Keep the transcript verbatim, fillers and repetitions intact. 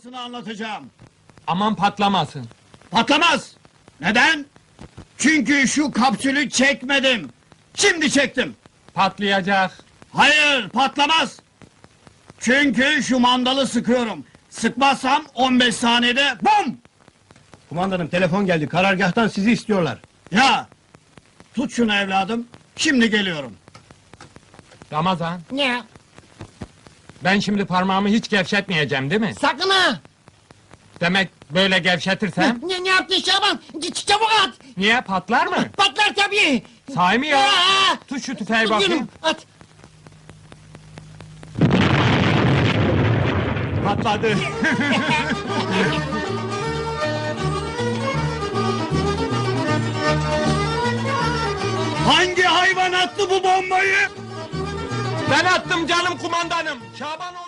patlamasını anlatacağım. Aman patlamasın. Patlamaz! Neden? Çünkü şu kapsülü çekmedim. Şimdi çektim. Patlayacak. Hayır, patlamaz! Çünkü şu mandalı sıkıyorum. Sıkmazsam on beş saniyede bum! Kumandanım telefon geldi. Karargâhtan sizi istiyorlar. Ya! Tut şunu evladım. Şimdi geliyorum. Ramazan, Ne? ben şimdi parmağımı hiç gevşetmeyeceğim değil mi? Sakın ha! Demek böyle gevşetirsem, Ne, ne yaptın Şaban? Ç- Çabuk at! niye patlar mı? Patlar tabii! Sahi mi ya? Aa! Tut şu tüfeği Tutuyorum, bakayım. at! Patladı. Hangi hayvan attı bu bombayı? Ben attım canım kumandanım. Şaban